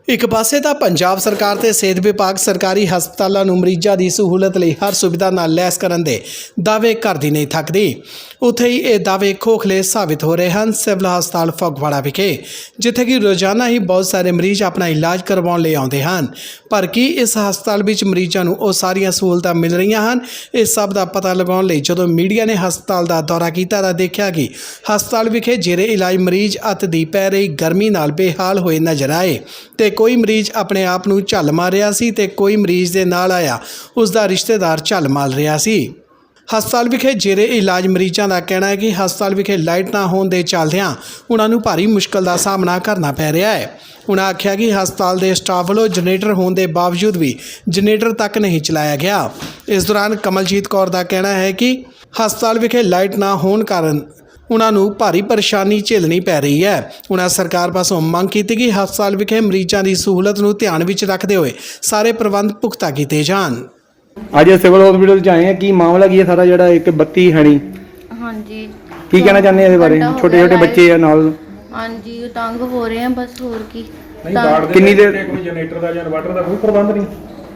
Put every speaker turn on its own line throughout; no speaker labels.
ਇੱਕ ਪਾਸੇ ਤਾਂ ਪੰਜਾਬ ਸਰਕਾਰ ਤੇ ਸਿਹਤ ਵਿਭਾਗ ਸਰਕਾਰੀ ਹਸਪਤਾਲਾਂ ਨੂੰ ਮਰੀਜ਼ਾਂ ਦੀ ਸਹੂਲਤ ਲਈ ਹਰ ਸੁਵਿਧਾ ਨਾਲ ਲੈਸ ਕਰਨ ਦੇ ਦਾਅਵੇ ਕਰਦੀ ਨਹੀਂ ਥੱਕਦੀ। ਉੱਥੇ ਹੀ ਇਹ ਦਾਅਵੇ ਖੋਖਲੇ ਸਾਬਿਤ ਹੋ ਰਹੇ ਹਨ ਸਿਵਲ ਹਸਪਤਾਲ ਫਗਵਾੜਾ ਵਿਖੇ, ਜਿੱਥੇ ਕਿ ਰੋਜ਼ਾਨਾ ਹੀ ਬਹੁਤ ਸਾਰੇ ਮਰੀਜ਼ ਆਪਣਾ ਇਲਾਜ ਕਰਵਾਉਣ ਲਈ ਆਉਂਦੇ ਹਨ। ਪਰ ਕੀ ਇਸ ਹਸਪਤਾਲ ਵਿੱਚ ਮਰੀਜ਼ਾਂ ਨੂੰ ਉਹ ਸਾਰੀਆਂ ਸਹੂਲਤਾਂ ਮਿਲ ਰਹੀਆਂ ਹਨ? ਇਸ ਸਭ ਦਾ ਪਤਾ ਲਗਾਉਣ ਲਈ ਜਦੋਂ ਮੀਡੀਆ ਨੇ ਹਸਪਤਾਲ ਦਾ ਦੌਰਾ ਕੀਤਾ ਤਾਂ ਦੇਖਿਆ ਕਿ ਹਸਪਤਾਲ ਵਿਖੇ ਜੇਰੇ ਇਲਾਜ ਮਰੀਜ਼ ਅੱਤ ਦੀ ਪੈ ਰਹੀ ਗਰਮੀ ਨਾਲ ਬੇਹਾਲ ਹੋਏ ਨਜ਼ਰ ਆਏ ਤੇ ਕੋਈ ਮਰੀਜ਼ ਆਪਣੇ ਆਪ ਨੂੰ ਝੱਲ ਮਾਰ ਰਿਹਾ ਸੀ ਤੇ ਕੋਈ ਮਰੀਜ਼ ਦੇ ਨਾਲ ਆਇਆ ਉਸ ਦਾ ਰਿਸ਼ਤੇਦਾਰ ਝੱਲ ਮਾਰ ਰਿਹਾ ਸੀ। ਹਸਪਤਾਲ ਵਿਖੇ ਜੇਰੇ ਇਲਾਜ ਮਰੀਜ਼ਾਂ ਦਾ ਕਹਿਣਾ ਹੈ ਕਿ ਹਸਪਤਾਲ ਵਿਖੇ ਲਾਈਟ ਨਾ ਹੋਣ ਦੇ ਚੱਲਦਿਆਂ ਉਹਨਾਂ ਨੂੰ ਭਾਰੀ ਮੁਸ਼ਕਲ ਦਾ ਸਾਹਮਣਾ ਕਰਨਾ ਪੈ ਰਿਹਾ ਹੈ। ਉਹਨਾਂ ਆਖਿਆ ਕਿ ਹਸਪਤਾਲ ਦੇ ਸਟਾਫ ਵੱਲੋਂ ਜਨਰੇਟਰ ਹੋਣ ਦੇ ਬਾਵਜੂਦ ਵੀ ਜਨਰੇਟਰ ਤੱਕ ਨਹੀਂ ਚਲਾਇਆ ਗਿਆ। ਇਸ ਦੌਰਾਨ ਕਮਲਜੀਤ ਕੌਰ ਦਾ ਕਹਿਣਾ ਹੈ ਕਿ ਹਸਪਤਾਲ ਵਿਖੇ ਲਾਈਟ ਨਾ ਹੋਣ ਕਾਰਨ ਉਹਨਾਂ ਨੂੰ ਭਾਰੀ ਪਰੇਸ਼ਾਨੀ ਝੇਲਣੀ ਪੈ ਰਹੀ ਹੈ। ਉਹਨਾਂ ਸਰਕਾਰ ਪਾਸੋਂ ਮੰਗ ਕੀਤੀ ਕਿ ਹਸਪਤਾਲ ਵਿਖੇ ਮਰੀਜ਼ਾਂ ਦੀ ਸਹੂਲਤ ਨੂੰ ਧਿਆਨ ਵਿੱਚ ਰੱਖਦੇ ਹੋਏ ਸਾਰੇ ਪ੍ਰਬੰਧ ਪੁਖਤਾ ਕੀਤੇ ਜਾਣ।
ਅੱਜ ਸਿਵਲ ਹਸਪੀਟਲ ਚ ਆਏ ਆ, ਕੀ ਮਾਮਲਾ ਕੀ ਹੈ ਸਾਰਾ ਜਿਹੜਾ ਇੱਕ ਬੱਤੀ ਹੈ ਨਹੀਂ?
ਹਾਂਜੀ,
ਕੀ ਕਹਿਣਾ ਚਾਹੁੰਦੇ ਆ ਇਹਦੇ ਬਾਰੇ? ਛੋਟੇ ਛੋਟੇ ਬੱਚੇ ਆ ਨਾਲ।
ਹਾਂਜੀ, ਤੰਗ ਹੋ ਰਹੇ ਆ ਬਸ, ਹੋਰ ਕੀ।
ਕਿੰਨੀ ਦੇਰ
ਕੋਈ ਜਨਰੇਟਰ ਦਾ ਜਾਂ ਇਨਵਰਟਰ ਦਾ ਕੋਈ ਪ੍ਰਬੰਧ ਨਹੀਂ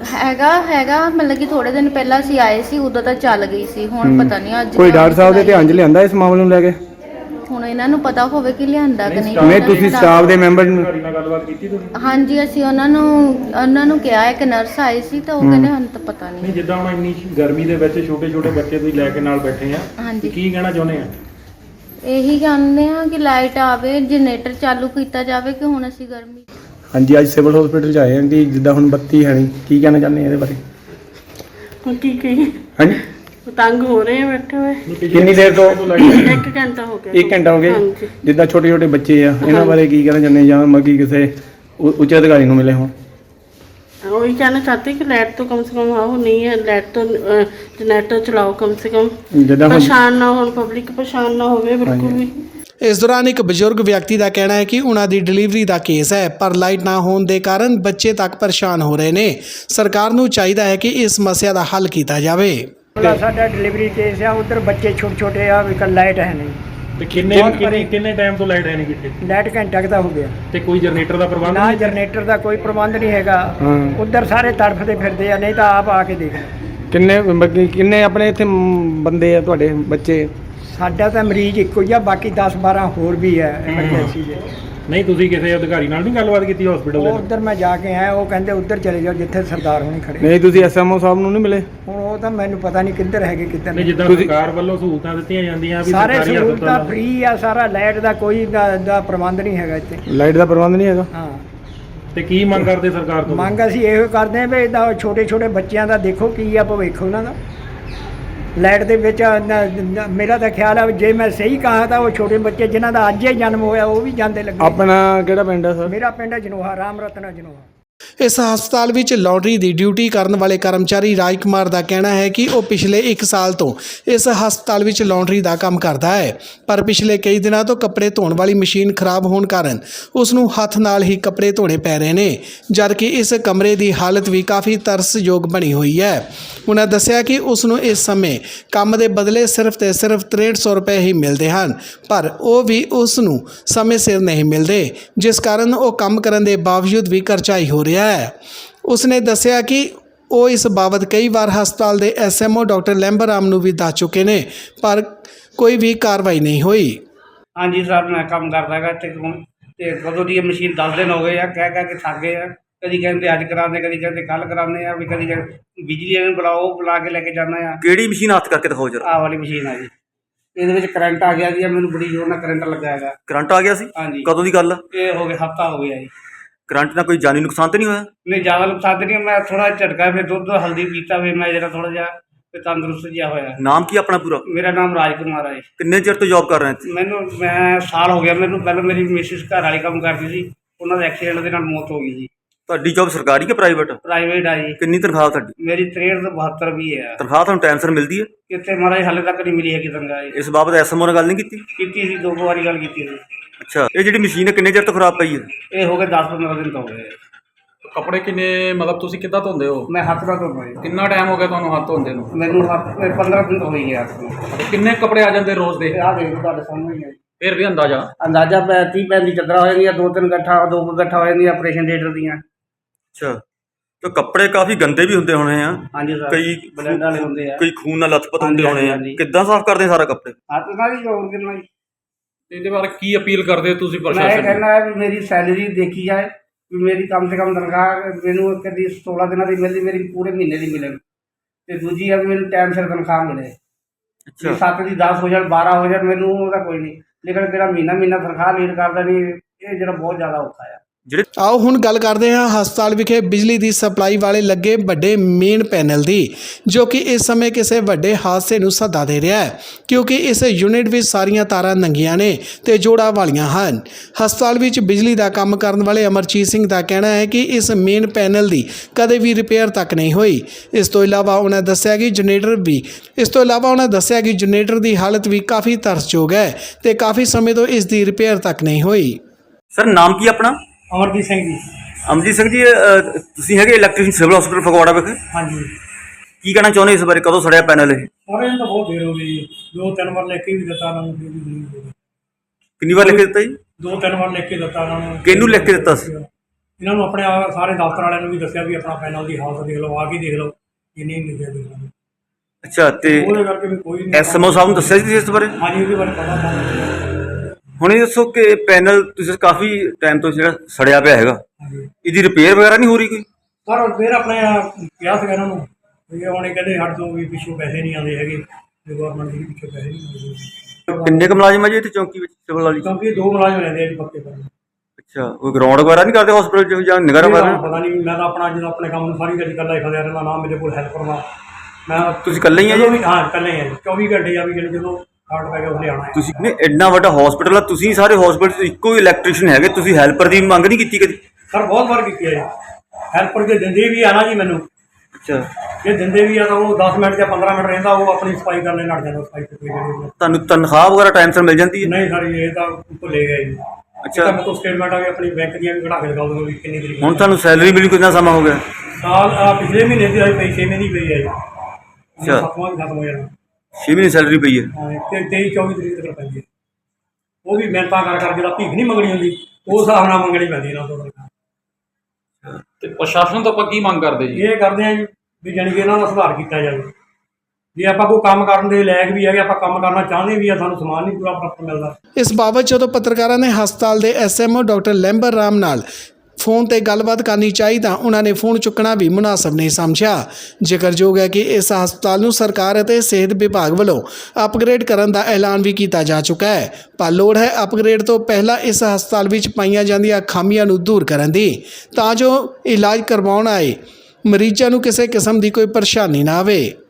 ਹੈਗਾ ਮਤਲਬ ਕਿ ਥੋੜੇ ਦਿਨ ਪਹਿਲਾਂ ਅਸੀਂ ਆਏ ਸੀ, ਉਦੋਂ ਤਾਂ ਚੱਲ ਗਈ ਸੀ। ਹੁਣ ਪਤਾ ਨਹੀਂ ਅੱਜ
ਕੋਈ ਡਾਕਟਰ ਸਾਹਿਬ ਦੇ ਧਿਆਨ 'ਚ ਲਿਆਂਦਾ ਇਸ ਮਾਮਲੇ ਨੂੰ ਲੈ ਕੇ?
ਹੁਣ ਇਹਨਾਂ ਨੂੰ ਪਤਾ ਹੋਵੇ ਕਿ ਲਿਆਂਦਾ ਕਿ ਨਹੀਂ।
ਨਹੀਂ, ਤੁਸੀਂ ਸਟਾਫ ਦੇ ਮੈਂਬਰ ਨੂੰ
ਨਾਲ ਗੱਲਬਾਤ ਕੀਤੀ ਤੁਸੀਂ?
ਹਾਂਜੀ, ਅਸੀਂ ਉਹਨਾਂ ਨੂੰ ਕਿਹਾ, ਇੱਕ ਨਰਸ ਆਈ ਸੀ ਤਾਂ ਉਹ ਕਹਿੰਦੇ ਸਾਨੂੰ ਤਾਂ ਪਤਾ
ਨਹੀਂ,
ਨਹੀਂ।
ਜਿੱਦਾਂ ਹੁਣ ਇੰਨੀ ਗਰਮੀ ਦੇ ਵਿੱਚ ਛੋਟੇ ਛੋਟੇ ਬੱਚੇ ਤੁਸੀਂ ਲੈ ਕੇ ਨਾਲ ਬੈਠੇ ਆ,
ਹਾਂਜੀ,
ਕੀ ਕਹਿਣਾ ਚਾਹੁੰਦੇ ਆ?
ਇਹੀ ਕਹਿੰਦੇ ਆ ਕਿ ਲਾਈਟ ਆਵੇ, ਜਨਰੇਟਰ ਚਾਲੂ ਕੀਤਾ ਜਾਵੇ ਕਿ ਹੁਣ ਅਸੀਂ ਗਰਮੀ।
ਹਾਂਜੀ, ਅੱਜ ਸਿਵਲ ਹਸਪੀਟਲ 'ਚ ਆਏ ਆ ਕਿ ਜਿੱਦਾਂ ਹੁਣ ਬੱਤੀ ਹੈ ਨਹੀਂ, ਕੀ ਕਹਿਣਾ ਚਾਹੁੰਦੇ ਆ ਇਹਦੇ ਬਾਰੇ?
ਹੁਣ ਕੀ ਕਹੀ,
ਹਾਂਜੀ,
ਤੰਗ ਹੋ ਰਹੇ ਆ ਬੈਠੇ ਹੋਏ।
ਕਿੰਨੀ ਦੇਰ ਤੋਂ?
1 ਘੰਟਾ ਹੋ ਗਿਆ।
1 ਘੰਟਾ ਹੋ ਗਿਆ।
ਹਾਂਜੀ।
ਜਿੱਦਾਂ ਛੋਟੇ ਛੋਟੇ ਬੱਚੇ ਆ ਇਹਨਾਂ ਬਾਰੇ ਕੀ ਕਹਿਣਾ ਚਾਹੁੰਦੇ ਜਾਂ ਮੱਗੀ ਕਿਸੇ ਉੱਚ ਅਧਿਕਾਰੀ ਨੂੰ ਮਿਲੇ ਹੋਣ?
वही कहना चाहते हैं कि लाइट तो कम से कम आओ, नहीं है लाइट तो जनरेटर चलाओ कम से कम,
जिद्दां हुण
परेशान ना हो, पब्लिक परेशान ना हो बिल्कुल भी।
ਇਸ ਦੌਰਾਨ ਇੱਕ ਬਜ਼ੁਰਗ ਵਿਅਕਤੀ ਦਾ ਕਹਿਣਾ ਹੈ ਕਿ ਉਹਨਾਂ ਦੀ ਡਿਲੀਵਰੀ ਦਾ ਕੇਸ ਹੈ, ਪਰ ਲਾਈਟ ਨਾ ਹੋਣ ਦੇ ਕਾਰਨ ਬੱਚੇ ਤੱਕ ਪਰੇਸ਼ਾਨ ਹੋ ਰਹੇ ਨੇ। ਸਰਕਾਰ ਨੂੰ ਚਾਹੀਦਾ ਹੈ ਕਿ ਇਸ ਸਮੱਸਿਆ ਦਾ ਹੱਲ ਕੀਤਾ ਜਾਵੇ।
ਸਾਡਾ ਡਿਲੀਵਰੀ ਕੇਸ ਆ, ਉਧਰ ਬੱਚੇ ਛੋਟੇ ਛੋਟੇ ਆ, ਵੀ ਲਾਈਟ ਹੈ ਨਹੀਂ।
ਤੇ ਕਿੰਨੇ ਟਾਈਮ ਤੋਂ ਲਾਈਟ ਹੈ ਨਹੀਂ ਕਿਤੇ?
ਲਾਈਟ ਘੰਟਾ ਕੁ ਦਾ ਹੋ ਗਿਆ
ਤੇ ਕੋਈ ਜਨਰੇਟਰ ਦਾ ਪ੍ਰਬੰਧ
ਨਾ,
ਨਹੀਂ?
ਜਨਰੇਟਰ ਦਾ ਕੋਈ ਪ੍ਰਬੰਧ ਨਹੀਂ ਹੈਗਾ। ਉਧਰ ਸਾਰੇ ਤੜਫਦੇ ਫਿਰਦੇ ਆ, ਨਹੀਂ ਤਾਂ ਆਪ ਆ ਕੇ ਦੇਖ।
ਕਿੰਨੇ ਆਪਣੇ ਇੱਥੇ ਬੰਦੇ ਆ ਤੁਹਾਡੇ ਬੱਚੇ?
ਸਾਡਾ ਤਾਂ ਮਰੀਜ਼ ਇੱਕੋ ਹੀ ਆ, ਬਾਕੀ 10-12 ਹੋਰ ਵੀ ਹੈ ਐਮਰਜੈਂਸੀ ਦੇ।
ਨਹੀਂ, ਤੁਸੀਂ ਕਿਸੇ ਅਧਿਕਾਰੀ ਨਾਲ ਨਹੀਂ ਗੱਲਬਾਤ ਕੀਤੀ ਹਸਪੀਟਲ ਦੇ?
ਉਧਰ ਮੈਂ ਜਾ ਕੇ ਆਇਆ, ਉਹ ਕਹਿੰਦੇ ਉਧਰ ਚਲੇ ਜਾਓ ਜਿੱਥੇ ਸਰਦਾਰ ਹੋਣੀ ਖੜੇ।
ਨਹੀਂ, ਤੁਸੀਂ ਐਸਐਮਓ ਸਾਹਿਬ ਨੂੰ ਨਹੀਂ ਮਿਲੇ?
ਹੁਣ ਉਹ ਤਾਂ ਮੈਨੂੰ ਪਤਾ ਨਹੀਂ ਕਿੱਧਰ ਹੈਗੇ ਕਿੱਧਰ
ਨਹੀਂ,
ਨਹੀਂ।
ਜਿੱਦਾਂ ਸਰਕਾਰ ਵੱਲੋਂ ਸਹੂਲਤਾਂ ਦਿੱਤੀਆਂ ਜਾਂਦੀਆਂ ਵੀ
ਸਾਰੇ
ਸਰਕਾਰੀ
ਸਹੂਲਤਾਂ
ਹਸਪਤਾਲਾਂ
ਫ੍ਰੀ ਆ, ਸਾਰਾ ਲਾਈਟ ਦਾ ਕੋਈ ਦਾ ਪ੍ਰਬੰਧ ਨਹੀਂ ਹੈਗਾ ਇੱਥੇ।
ਲਾਈਟ ਦਾ ਪ੍ਰਬੰਧ ਨਹੀਂ ਹੈਗਾ?
ਹਾਂ,
ਤੇ ਕੀ ਮੰਗ ਕਰਦੇ ਸਰਕਾਰ ਤੋਂ?
ਮੰਗ ਅਸੀਂ ਇਹੋ ਕਰਦੇ ਹਾਂ ਵੀ ਇਹਦਾ ਛੋਟੇ ਛੋਟੇ ਬੱਚਿਆਂ ਦਾ ਦੇਖੋ ਕੀ ਆ ਭਵਿੱਖ ਉਹਨਾਂ ਦਾ ਲਾਈਟ ਦੇ ਵਿੱਚ। ਮੇਰਾ ਤਾਂ ਖਿਆਲ ਆ ਜੇ ਮੈਂ ਸਹੀ ਕਹਾ ਤਾਂ ਉਹ ਛੋਟੇ ਬੱਚੇ ਜਿਨ੍ਹਾਂ ਦਾ ਅੱਜ ਹੀ ਜਨਮ ਹੋਇਆ ਉਹ ਵੀ ਜਾਂਦੇ ਲੱਗੇ।
ਆਪਣਾ ਕਿਹੜਾ ਪਿੰਡ ਹੈ ਸਰ?
ਮੇਰਾ ਪਿੰਡ ਜਨੋਹਾ, ਰਾਮ ਰਤਨਾ ਜਨੋਹਾ।
ਇਸ ਹਸਪਤਾਲ ਵਿੱਚ ਲਾਂਡਰੀ ਦੀ ਡਿਊਟੀ ਕਰਨ ਵਾਲੇ ਕਰਮਚਾਰੀ ਰਾਜ ਕੁਮਾਰ ਦਾ ਕਹਿਣਾ ਹੈ ਕਿ ਉਹ ਪਿਛਲੇ 1 ਸਾਲ ਤੋਂ ਇਸ ਹਸਪਤਾਲ ਵਿੱਚ ਲਾਂਡਰੀ ਦਾ ਕੰਮ ਕਰਦਾ ਹੈ, ਪਰ ਪਿਛਲੇ ਕਈ ਦਿਨਾਂ ਤੋਂ ਕੱਪੜੇ ਧੋਣ ਵਾਲੀ ਮਸ਼ੀਨ ਖਰਾਬ ਹੋਣ ਕਾਰਨ ਉਸ ਨੂੰ ਹੱਥ ਨਾਲ ਹੀ ਕੱਪੜੇ ਧੋਣੇ ਪੈ ਰਹੇ ਨੇ, ਜਦਕਿ ਇਸ ਕਮਰੇ ਦੀ ਹਾਲਤ ਵੀ ਕਾਫੀ ਤਰਸਯੋਗ ਬਣੀ ਹੋਈ ਹੈ। ਉਹਨਾਂ ਦੱਸਿਆ ਕਿ ਉਸ ਨੂੰ ਇਸ ਸਮੇਂ ਕੰਮ ਦੇ ਬਦਲੇ ਸਿਰਫ ਤੇ ਸਿਰਫ 6300 ਰੁਪਏ ਹੀ ਮਿਲਦੇ ਹਨ, ਪਰ ਉਹ ਵੀ ਉਸ ਨੂੰ ਸਮੇਂ ਸਿਰ ਨਹੀਂ ਮਿਲਦੇ, ਜਿਸ ਕਾਰਨ ਉਹ ਕੰਮ ਕਰਨ ਦੇ ਬਾਵਜੂਦ ਵੀ ਕਰਜ਼ਾਈ ਹੋ ਰਿਹਾ ਹੈ। ਉਸਨੇ ਦੱਸਿਆ ਕਿ ਉਹ ਇਸ ਬਾਬਤ ਕਈ ਵਾਰ ਹਸਪਤਾਲ ਦੇ ਐਸਐਮਓ ਡਾਕਟਰ ਲੈਂਬਰ ਰਾਮ ਨੂੰ ਵੀ ਦੱਸ ਚੁੱਕੇ ਨੇ, ਪਰ ਕੋਈ ਵੀ ਕਾਰਵਾਈ ਨਹੀਂ ਹੋਈ।
ਹਾਂਜੀ ਸਰ, ਮੈਂ ਕੰਮ ਕਰਦਾ ਹੈਗਾ ਤੇ ਕਦੋਂ ਦੀ ਇਹ ਮਸ਼ੀਨ 10 ਦਿਨ ਹੋ ਗਏ ਆ, ਕਹਿ ਕੇ ਥੱਕ ਗਏ ਆ। ਕਦੀ ਕਹਿੰਦੇ ਅੱਜ ਕਰਾਉਂਦੇ, ਕਦੀ ਕਹਿੰਦੇ ਕੱਲ ਕਰਾਉਂਦੇ ਆ, ਵੀ ਕਦੀ ਕਹਿੰਦੇ ਬਿਜਲੀ ਵਾਲੇ ਨੂੰ ਬੁਲਾਓ, ਬੁਲਾ ਕੇ ਲੈ ਕੇ ਜਾਣਾ ਆ।
ਕਿਹੜੀ ਮਸ਼ੀਨ ਹੱਥ ਕਰਕੇ ਦਿਖਾਓ ਜਰਾ।
ਆਹ ਵਾਲੀ ਮਸ਼ੀਨ ਆ ਜੀ, ਇਹਦੇ ਵਿੱਚ ਕਰੰਟ ਆ ਗਿਆ ਜੀ, ਮੈਨੂੰ ਬੜੀ ਜ਼ੋਰ ਨਾਲ ਕਰੰਟ ਲੱਗਾ ਹੈਗਾ।
ਕਰੰਟ ਆ ਗਿਆ ਸੀ?
ਹਾਂਜੀ।
ਕਦੋਂ ਦੀ ਗੱਲ ਆ?
ਇਹ ਹੋ ਗਿਆ ਹਫਤਾ ਹੋ ਗਿਆ ਜੀ।
ਕਰੰਟ ਨਾਲ ਕੋਈ ਜਾਨੀ ਨੁਕਸਾਨ ਤਾਂ ਨਹੀਂ ਹੋਇਆ?
ਨਹੀਂ, ਜ਼ਿਆਦਾ ਨੁਕਸਾਨ ਨਹੀਂ, ਮੈਂ ਥੋੜਾ ਝਟਕਾ, ਫਿਰ ਦੁੱਧ ਹਲਦੀ ਪੀਤਾ, ਫਿਰ ਮੈਂ ਜਿਹੜਾ ਥੋੜਾ ਜਿਹਾ ਤੰਦਰੁਸਤ ਜਿਹਾ ਹੋਇਆ।
ਨਾਮ ਕੀ ਆਪਣਾ ਪੂਰਾ?
ਮੇਰਾ ਨਾਮ ਰਾਜ ਕੁਮਾਰ ਹੈ ਜੀ।
ਕਿੰਨੇ ਚਿਰ ਤੋਂ ਜੌਬ ਕਰ ਰਹੇ ਹੋ?
ਮੈਂ ਸਾਲ ਹੋ ਗਿਆ ਮੈਨੂੰ। ਪਹਿਲਾਂ ਮੇਰੀ ਮਿਸਿਸ ਘਰ ਵਾਲੀ ਕੰਮ ਕਰਦੀ ਸੀ, ਉਹਨਾਂ ਦਾ ਐਕਸੀਡੈਂਟ ਦੇ ਨਾਲ ਮੌਤ ਹੋ ਗਈ ਜੀ।
ਤੁਹਾਡੀ ਜੌਬ ਸਰਕਾਰੀ ਕਿ ਪ੍ਰਾਈਵੇਟ?
ਪ੍ਰਾਈਵੇਟ ਆ ਜੀ।
ਕਿੰਨੀ ਤਨਖਾਹ ਤੁਹਾਡੀ?
ਮੇਰੀ 63 ਤੋਂ 72 ਵੀ ਹੈ।
ਤਨਖਾਹ ਤੁਹਾਨੂੰ ਟਾਈਮ ਸਿਰ ਮਿਲਦੀ ਹੈ?
ਕਿਤੇ ਮਹਾਰਾਜ ਹਾਲੇ ਤੱਕ ਨਹੀਂ ਮਿਲੀ ਹੈਗੀ ਤਨਖਾਹ।
ਇਸ ਬਾਬਤ ਐਸਐਮਓ ਨਾਲ ਗੱਲ ਨਹੀਂ ਕੀਤੀ?
ਕੀਤੀ ਸੀ, 2 ਵਾਰੀ ਗੱਲ ਕੀਤੀ ਸੀ।
ਅੱਛਾ, ਇਹ ਜਿਹੜੀ ਮਸ਼ੀਨ ਹੈ ਕਿੰਨੇ ਚਿਰ ਤੋਂ ਖਰਾਬ ਪਈ ਹੈ?
ਇਹ ਹੋ ਗਏ 10-15 ਦਿਨ ਤੋਂ ਹੋ ਗਏ।
ਕੱਪੜੇ ਕਿੰਨੇ ਮਤਲਬ ਤੁਸੀਂ ਕਿੱਦਾਂ ਧੋਂਦੇ ਹੋ?
ਮੈਂ ਹੱਥ ਦਾ ਧੋਂਦਾ ਜੀ।
ਕਿੰਨਾ ਟਾਈਮ ਹੋ ਗਿਆ ਤੁਹਾਨੂੰ ਹੱਥ ਧੋਂਦੇ ਨੂੰ?
ਮੈਨੂੰ 15 ਦਿਨ ਹੋ ਗਏ ਯਾਰ।
ਕਿੰਨੇ ਕੱਪੜੇ ਆ ਜਾਂਦੇ ਰੋਜ਼ ਦੇ?
ਆਹ ਦੇਖ ਤੁਹਾਡੇ ਸਾਹਮਣੇ ਹੀ ਹੈ।
ਫਿਰ ਵੀ ਅੰਦਾਜ਼ਾ
ਅੰਦਾਜ਼ਾ 30-35 ਚੱਦਰਾਂ ਹੋ ਜਾਂਦੀਆਂ, 2-3 ਦੋ ਕੁ ਗੱਠਾ ਹੋ ਜਾਂਦੀਆਂ ਆਪਰੇਸ਼ਨ ਥੀਏਟਰ ਦੀਆਂ।
ਅੱਛਾ ਤੇ ਕੱਪੜੇ ਕਾਫੀ ਗੰਦੇ ਵੀ ਹੁੰਦੇ ਹੋਣੇ ਆ,
ਹਾਂਜੀ ਸਰ,
ਕਈ
ਬਲੈਂਡ ਵਾਲੇ ਹੁੰਦੇ ਆ,
ਕਈ ਖੂਨ ਨਾਲ ਲੱਥਪੱਥ ਹੁੰਦੇ
ਹਾਂਜੀ,
ਹੋਣੇ ਆ,
ਹਾਂਜੀ।
ਕਿੱਦਾਂ ਸਾਫ਼ ਕਰਦੇ ਸਾਰਾ ਕੱਪੜੇ?
ਹੱਥ ਨਾਲ ਹੀ ਹੋਰ ਕਿੰਨਾ ਜੀ।
ਇਹਦੇ ਬਾਰੇ ਕੀ ਅਪੀਲ ਕਰਦੇ ਹੋ ਤੁਸੀਂ
ਮੈਂ ਇਹ
ਪ੍ਰਸ਼ਾਸਨ ਨੂੰ?
ਕਹਿੰਦਾ ਵੀ ਮੇਰੀ ਸੈਲਰੀ ਦੇਖੀ ਜਾਏ, ਵੀ ਮੇਰੀ ਕਮ ਸੇ ਕਮ ਤਨਖਾਹ ਮੈਨੂੰ ਕਦੀ 16 ਦਿਨਾਂ ਦੀ ਮਿਲਦੀ, ਮੇਰੀ ਪੂਰੇ ਮਹੀਨੇ ਦੀ ਮਿਲੇ, ਤੇ ਦੂਜੀ ਆ ਵੀ ਮੈਨੂੰ ਟਾਈਮ ਸਿਰ ਤਨਖਾਹ ਮਿਲੇ।
ਅੱਛਾ
7 ਦੀ 10 ਹੋ ਜਾਣ, 12 ਹੋ ਜਾਣ, ਮੈਨੂੰ ਉਹਦਾ ਕੋਈ ਨਹੀਂ, ਲੇਕਿਨ ਜਿਹੜਾ ਮਹੀਨਾ ਤਨਖਾਹ ਲੀਡ ਕਰਦਾ ਨਹੀਂ, ਇਹ ਜਿਹੜਾ ਬਹੁਤ ਜ਼ਿਆਦਾ ਔਖਾ ਆ।
ਆਓ ਹੁਣ ਗੱਲ ਕਰਦੇ ਹਾਂ ਹਸਪਤਾਲ ਵਿਖੇ ਬਿਜਲੀ ਦੀ ਸਪਲਾਈ ਵਾਲੇ ਲੱਗੇ ਵੱਡੇ ਮੇਨ ਪੈਨਲ ਦੀ, ਜੋ ਕਿ ਇਸ ਸਮੇਂ ਕਿਸੇ ਵੱਡੇ ਹਾਦਸੇ ਨੂੰ ਸੱਦਾ ਦੇ ਰਿਹਾ ਹੈ, ਕਿਉਂਕਿ ਇਸ ਯੂਨਿਟ ਵਿੱਚ ਸਾਰੀਆਂ ਤਾਰਾਂ ਨੰਗੀਆਂ ਨੇ ਤੇ ਜੋੜਾਂ ਵਾਲੀਆਂ ਹਨ। ਹਸਪਤਾਲ ਵਿੱਚ ਬਿਜਲੀ ਦਾ ਕੰਮ ਕਰਨ ਵਾਲੇ ਅਮਰਜੀਤ ਸਿੰਘ ਦਾ ਕਹਿਣਾ ਹੈ ਕਿ ਇਸ ਮੇਨ ਪੈਨਲ ਦੀ ਕਦੇ ਵੀ ਰਿਪੇਅਰ ਤੱਕ ਨਹੀਂ ਹੋਈ। ਇਸ ਤੋਂ ਇਲਾਵਾ ਉਹਨਾਂ ਦੱਸਿਆ ਕਿ ਜਨਰੇਟਰ ਦੀ ਹਾਲਤ ਵੀ ਕਾਫੀ ਤਰਸਯੋਗ ਹੈ ਤੇ ਕਾਫੀ ਸਮੇਂ ਤੋਂ ਇਸ ਦੀ ਰਿਪੇਅਰ ਤੱਕ ਨਹੀਂ ਹੋਈ।
ਸਰ ਨਾਮ ਕੀ ਆਪਣਾ?
ਅਮਰਜੀਤ ਸਿੰਘ ਜੀ।
ਅਮਰਜੀਤ ਸਿੰਘ ਜੀ, ਤੁਸੀਂ ਹੈਗੇ ਇਲੈਕਟ੍ਰੀਸ਼ੀਅਨ ਸਿਵਲ ਹਸਪੀਟਲ ਫਗਵਾੜਾ ਵਿਖੇ,
ਹਾਂਜੀ,
ਕੀ ਕਹਿਣਾ ਚਾਹੁੰਦੇ ਇਸ ਬਾਰੇ? ਕਦੋਂ ਸੜਿਆ ਪੈਨਲ ਇਹ?
ਸਾਰੇ ਤਾਂ ਬਹੁਤ ਦੇਰ ਹੋ ਗਈ ਜੀ, 2-3 ਵਾਰ ਲੈ ਕੇ ਵੀ ਦਿੱਤਾ ਉਹਨਾਂ ਨੂੰ, ਫਿਰ ਵੀ ਨਹੀਂ ਹੋਇਆ।
ਕਿੰਨੀ ਵਾਰ ਲਿਖ ਕੇ ਦਿੱਤਾ ਜੀ?
2-3 ਵਾਰ ਲਿਖ ਕੇ ਦਿੱਤਾ ਉਹਨਾਂ ਨੂੰ।
ਕਿਹਨੂੰ ਲਿਖ ਕੇ ਦਿੱਤਾ ਸੀ?
ਇਹਨਾਂ ਨੂੰ ਆਪਣੇ ਸਾਰੇ ਦਫ਼ਤਰ ਵਾਲਿਆਂ ਨੂੰ ਵੀ ਦੱਸਿਆ ਵੀ ਆਪਣਾ ਪੈਨਲ ਦੀ ਹਾਲਤ ਦੇਖ ਲਓ, ਆ ਕੇ ਦੇਖ ਲਓ, ਇਹ ਨਹੀਂ ਲਿਖਿਆ ਦੇਖ ਲਓ।
ਅੱਛਾ ਤੇ
ਉਹਦੇ ਕਰਕੇ ਵੀ ਕੋਈ ਨਹੀਂ।
ਐਸਐਮਓ ਸਾਹਿਬ ਨੂੰ ਦੱਸਿਆ ਸੀ ਤੁਸੀਂ ਇਸ ਬਾਰੇ?
ਹਾਂਜੀ, ਉਹਦੇ ਬਾਰੇ ਪਤਾ ਸਾਨੂੰ।
ਹੁਣ ਇਹ ਦੱਸੋ ਕਿ ਪੈਨਲ ਤੁਸੀਂ ਕਾਫੀ ਟਾਈਮ ਤੋਂ ਜਿਹੜਾ ਸੜਿਆ ਪਿਆ ਹੈਗਾ,
ਹਾਂਜੀ
ਇਹਦੀ ਰਿਪੇਅਰ ਵਗੈਰਾ ਨਹੀਂ ਹੋ ਰਹੀ ਕੋਈ?
ਪਰ ਫਿਰ ਆਪਣੇ ਕਿਹਾ ਸੀਗਾ ਇਹਨਾਂ ਨੂੰ ਵੀ ਉਹਨੇ ਕਹਿੰਦੇ ਸਾਡੇ ਤੋਂ ਵੀ ਪਿੱਛੋਂ ਪੈਸੇ ਨਹੀਂ ਆਉਂਦੇ ਹੈਗੇ, ਵੀ ਗਵਰਨਮੈਂਟ ਦੇ ਪਿੱਛੋਂ ਪੈਸੇ ਨਹੀਂ ਆਉਂਦੇ,
ਕਿੰਨੇ ਕੁ ਮੁਲਾਜ਼ਮ ਆ ਜੀ ਇੱਥੇ ਚੌਂਕੀ ਵਿੱਚ ਸਿਵਲ ਵਾਲੀ?
ਕਿਉਂਕਿ 2 ਮੁਲਾਜ਼ਮ ਰਹਿੰਦੇ ਆ ਜੀ ਪੱਕੇ ਪਰ।
ਅੱਛਾ ਕੋਈ ਗਰਾਊਂਡ ਵਗੈਰਾ ਨਹੀਂ ਕਰਦੇ ਹਸਪੀਟਲ 'ਚ ਜਾਂ ਨਿਗਰਾਨ ਵਗੈਰਾ?
ਪਤਾ ਨਹੀਂ, ਮੈਂ ਤਾਂ ਆਪਣਾ ਜਦੋਂ ਆਪਣੇ ਕੰਮ ਨੂੰ ਸਾਰੀ ਦਿਹਾੜੀ ਇਕੱਲਾ ਹੀ ਖੜਿਆ ਰਹਿੰਦਾ, ਨਾ ਮੇਰੇ ਕੋਲ ਹੈਲਪਰ ਵਾ। ਮੈਂ
ਤੁਸੀਂ ਇਕੱਲੇ ਹੀ ਆ ਜੀ?
ਜਦੋਂ ਵੀ ਹਾਂ ਇਕੱਲੇ ਹੀ ਆ ਜੀ, 24 ਘੰਟੇ ਆ ਵੀ ਜਦੋਂ ਹਾਰਟ ਪੈ ਗਿਆ ਉਹਨੇ ਆਉਣਾ ਹੈ।
ਤੁਸੀਂ ਨੇ ਇੰਨਾ ਵੱਡਾ ਹਸਪੀਟਲ ਆ, ਤੁਸੀਂ ਸਾਰੇ ਹਸਪੀਟਲ 'ਚ ਇੱਕੋ ਹੀ ਇਲੈਕਟ੍ਰੀਸ਼ੀਅਨ ਹੈਗੇ, ਤੁਸੀਂ ਹੈਲਪਰ ਦੀ ਮੰਗ ਨਹੀਂ ਕੀਤੀ ਕਦੀ?
ਸਰ ਬਹੁਤ ਵਾਰ ਕੀਤੀ ਹੈ ਜੀ, ਹੈਲਪਰ ਜੇ ਦਿੰਦੇ ਵੀ ਆ ਨਾ ਜੀ ਮੈਨੂੰ,
ਅੱਛਾ
ਜੇ ਦਿੰਦੇ ਵੀ ਆ ਤਾਂ ਉਹ 10 ਮਿੰਟ ਜਾਂ 15 ਮਿੰਟ ਰਹਿੰਦਾ, ਉਹ ਆਪਣੀ ਸਫਾਈ ਕਰਨੇ ਲੱਗ ਜਾਂਦਾ, ਸਫਾਈ ਕੋਈ ਨਹੀਂ।
ਤੁਹਾਨੂੰ ਤਨਖਾਹ ਵਗੈਰਾ ਟਾਈਮ ਸਿਰ ਮਿਲ ਜਾਂਦੀ ਹੈ?
ਨਹੀਂ ਸਰ, ਇਹ ਤਾਂ ਭੁੱਲੇ ਗਏ ਜੀ।
ਅੱਛਾ
ਮੇਰੇ ਕੋਲ ਸਟੇਟਮੈਂਟ ਆ ਗਈ ਆਪਣੀ ਬੈਂਕ ਦੀਆਂ ਵੀ ਕਢਾ ਕੇ ਦਿਖਾ ਦੂੰਗਾ ਵੀ ਕਿੰਨੀ ਤਰੀਕ
ਹੁਣ ਤੁਹਾਨੂੰ ਸੈਲਰੀ ਮਿਲੀ ਕਿੰਨਾ ਸਮਾਂ ਹੋ ਗਿਆ?
ਸਾਲ ਪਿਛਲੇ ਮਹੀਨੇ ਦੀ ਆਈ ਪਈ, 6 ਮਹੀਨੇ ਦੀ ਪਈ ਹੈ ਜੀ।
ਅੱਛਾ।
7ਵਾਂ ਵੀ ਖਤਮ ਹੋ ਜਾਣਾ।
6 ਮਹੀਨੇ ਸੈਲਰੀ ਪਈ ਹੈ?
ਹਾਂ, ਤੇ 23-24 ਤਰੀਕ ਤੱਕ ਪੈਂਦੀ ਹੈ। ਉਹ ਵੀ ਮਿਹਨਤਾਂ ਕਰ ਜਿਹੜਾ ਭੀਖ ਨਹੀਂ ਮੰਗਣੀ ਹੁੰਦੀ, ਉਹ ਹਿਸਾਬ ਨਾਲ ਮੰਗਣੀ ਪੈਂਦੀ ਇਹਨਾਂ ਤੋਂ।
ਤੇ ਪ੍ਰਸ਼ਾਸਨ ਤੋਂ ਆਪਾਂ ਕੀ ਮੰਗ ਕਰਦੇ ਜੀ?
ਇਹ ਕਰਦੇ ਆ ਜੀ ਵੀ ਜਾਣੀ ਕਿ ਇਹਨਾਂ ਦਾ ਸੁਧਾਰ ਕੀਤਾ ਜਾਵੇ। ਜੇ ਆਪਾਂ ਕੋਈ ਕੰਮ ਕਰਨ ਦੇ ਲਾਇਕ ਵੀ ਹੈਗੇ, ਆਪਾਂ ਕੰਮ ਕਰਨਾ ਚਾਹੁੰਦੇ ਵੀ ਆ, ਸਾਨੂੰ ਸਮਾਨ ਨਹੀਂ ਪੂਰਾ ਪ੍ਰਾਪਤ ਮਿਲਦਾ।
ਇਸ ਬਾਬਤ ਜਦੋਂ ਪੱਤਰਕਾਰਾਂ ਨੇ ਹਸਪਤਾਲ ਦੇ ਐਸਐਮਓ ਡਾਕਟਰ ਲੈਂਬਰ ਰਾਮ ਨਾਲ ਫੋਨ ਤੇ ਗੱਲਬਾਤ ਕਰਨੀ ਚਾਹੀ ਤਾਂ ਉਹਨਾਂ ਨੇ ਫੋਨ ਚੁੱਕਣਾ ਵੀ ਮੁਨਾਸਬ ਨਹੀਂ ਸਮਝਿਆ। ਜ਼ਿਕਰਯੋਗ ਹੈ ਕਿ ਇਸ ਹਸਪਤਾਲ ਨੂੰ ਸਰਕਾਰ ਅਤੇ ਸਿਹਤ ਵਿਭਾਗ ਵੱਲੋਂ ਅਪਗ੍ਰੇਡ ਕਰਨ ਦਾ ਐਲਾਨ ਵੀ ਕੀਤਾ ਜਾ ਚੁੱਕਾ ਹੈ, ਪਰ ਲੋੜ ਹੈ ਅਪਗ੍ਰੇਡ ਤੋਂ ਪਹਿਲਾਂ ਇਸ ਹਸਪਤਾਲ ਵਿੱਚ ਪਾਈਆਂ ਜਾਂਦੀਆਂ ਖਾਮੀਆਂ ਨੂੰ ਦੂਰ ਕਰਨ ਦੀ, ਤਾਂ ਜੋ ਇਲਾਜ ਕਰਵਾਉਣ ਆਏ ਮਰੀਜ਼ਾਂ ਨੂੰ ਕਿਸੇ ਕਿਸਮ ਦੀ ਕੋਈ ਪਰੇਸ਼ਾਨੀ ਨਾ ਆਵੇ।